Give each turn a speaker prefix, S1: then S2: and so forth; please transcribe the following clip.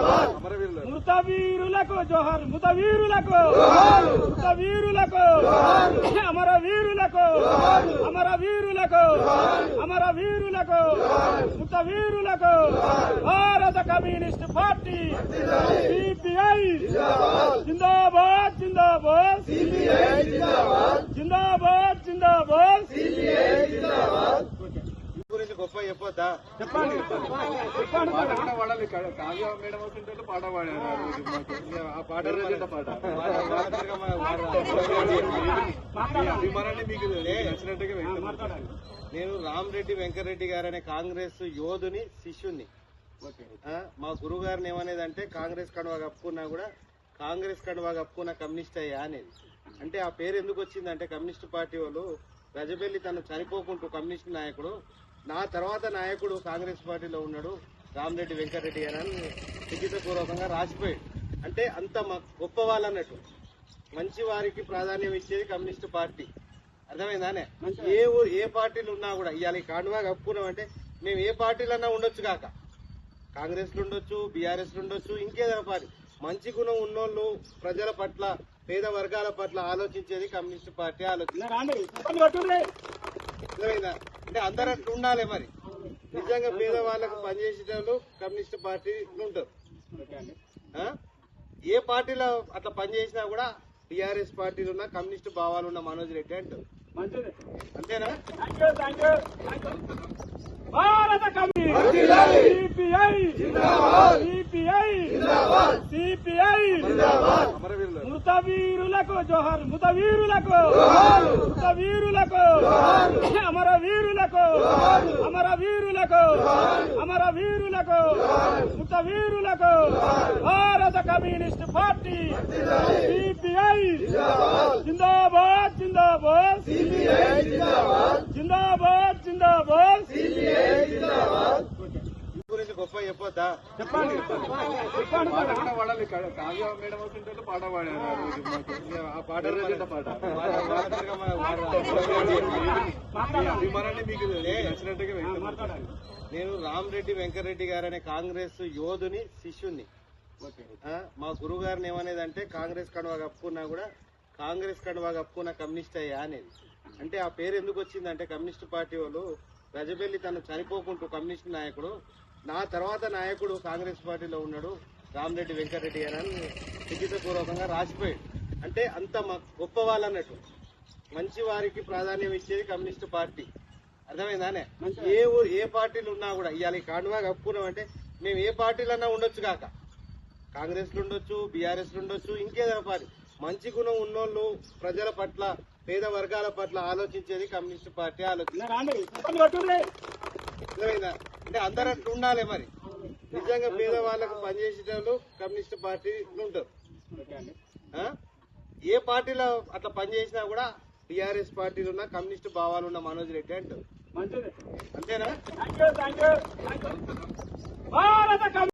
S1: మృత వీరులకు జోహార్, మృత వీరులకు, మృత వీరులకు, అమర వీరులకు, అమర వీరులకు, అమర వీరులకు, మృత వీరులకు భారత కమ్యూనిస్ట్ పార్టీ సిపిఐ జిందాబాద్, జిందాబాద్, జిందాబాద్, జిందాబాద్.
S2: గురించి గొప్ప చెప్పొద్దా?
S1: చెప్పండి.
S2: పాడాలి. కావ్య మేడం అవుతుంటే పాట పాడారు. ఆ పాట అభిమానాన్ని మీకు నచ్చినట్టుగా వ్యక్తం. నేను రామరెడ్డి వెంకరెడ్డి గారు అనే కాంగ్రెస్ యోధుని శిష్యుని. మా గురువు గారిని ఏమనేదంటే కాంగ్రెస్ కండువా కప్పుకున్నా కూడా కాంగ్రెస్ కండువా కప్పుకున్న కమ్యూనిస్ట్ అయ్యా అనేది. అంటే ఆ పేరు ఎందుకు వచ్చిందంటే కమ్యూనిస్ట్ పార్టీ వాళ్ళు గజబెల్లి తను చనిపోకుంటూ కమ్యూనిస్ట్ నాయకుడు, నా తర్వాత నాయకుడు కాంగ్రెస్ పార్టీలో ఉన్నాడు రామరెడ్డి వెంకరెడ్డి గారు అని లిఖితపూర్వకంగా రాసిపోయాడు. అంటే అంత గొప్ప వాళ్ళు అన్నట్టు, మంచి వారికి ప్రాధాన్యం ఇచ్చేది కమ్యూనిస్ట్ పార్టీ. అర్థమైందానే? ఏ పార్టీలు ఉన్నా కూడా ఇవాళ ఈ కాండువా కప్పుకున్నాం అంటే మేము ఏ పార్టీలన్నా ఉండొచ్చు కాక, కాంగ్రెస్ లో ఉండొచ్చు, బీఆర్ఎస్ లో ఉండొచ్చు, ఇంకేదైనా పార్టీ. మంచి గుణం ఉన్నోళ్ళు, ప్రజల పట్ల, పేద వర్గాల పట్ల ఆలోచించేది కమ్యూనిస్ట్ పార్టీ ఆలోచన. అంటే అందరూ అట్లా ఉండాలి. మరి నిజంగా పేదవాళ్లకు పనిచేసేటోళ్ళు కమ్యూనిస్ట్ పార్టీలు ఉంటారు. ఏ పార్టీలో అట్లా పనిచేసినా కూడా టీఆర్ఎస్ పార్టీలు ఉన్న కమ్యూనిస్ట్ భావాలు ఉన్న మనోజ్ రెడ్డి అంటారు. అంతేనా?
S1: భారత సిపిఐ సిపిఐ సిపిఐ మృత వీరులకు జోహార్, మృత వీరులకు, మృత వీరులకు, అమర వీరులకు, అమర వీరులకు, అమర వీరులకు, మృత వీరులకు భారత కమ్యూనిస్ట్ పార్టీ సిపిఐ జిందాబాద్, జిందాబాద్, జిందాబాద్, జిందాబాద్.
S2: గురించి గొప్ప చెప్పొద్దా?
S1: చెప్పండి.
S2: పాడాలి. కావ్య మేడం అవుతుంటే పాట పాడారు. ఆ పాట అభిమానాన్ని మీకు నచ్చినట్టుగా వ్యక్తం. నేను రామరెడ్డి వెంకరెడ్డి గారు అనే కాంగ్రెస్ యోధుని శిష్యుని. మా గురువు గారిని ఏమనేదంటే కాంగ్రెస్ కండువా కప్పుకున్నా కూడా కాంగ్రెస్ కండువా కప్పుకున్న కమ్యూనిస్ట్ అయ్యా అనేది. అంటే ఆ పేరు ఎందుకు వచ్చిందంటే కమ్యూనిస్ట్ పార్టీ వాళ్ళు గజబెల్లి తను చనిపోకుంటూ కమ్యూనిస్ట్ నాయకుడు, నా తర్వాత నాయకుడు కాంగ్రెస్ పార్టీలో ఉన్నాడు రామరెడ్డి వెంకరెడ్డి గారు అని లిఖితపూర్వకంగా రాసిపోయాడు. అంటే అంత గొప్ప వాళ్ళు అన్నట్టు, మంచి వారికి ప్రాధాన్యం ఇచ్చేది కమ్యూనిస్ట్ పార్టీ. అర్థమైందానే? ఏ పార్టీలు ఉన్నా కూడా ఇవాళ ఈ కాండువా కప్పుకున్నాం అంటే మేము ఏ పార్టీలన్నా ఉండొచ్చు కాక, కాంగ్రెస్ లో ఉండొచ్చు, బీఆర్ఎస్ లో ఉండొచ్చు, ఇంకేదైనా పార్టీ. మంచి గుణం ఉన్నోళ్ళు, ప్రజల పట్ల, పేద వర్గాల పట్ల ఆలోచించేది కమ్యూనిస్ట్ పార్టీ ఆలోచన. అంటే అందరూ అట్లా ఉండాలి. మరి నిజంగా పేదవాళ్లకు పనిచేసేటోళ్ళు కమ్యూనిస్ట్ పార్టీలు ఉంటారు. ఏ పార్టీలో అట్లా పనిచేసినా కూడా టీఆర్ఎస్ పార్టీలు ఉన్న కమ్యూనిస్ట్ భావాలు ఉన్న మనోజ్ రెడ్డి అంటారు. అంతేనా?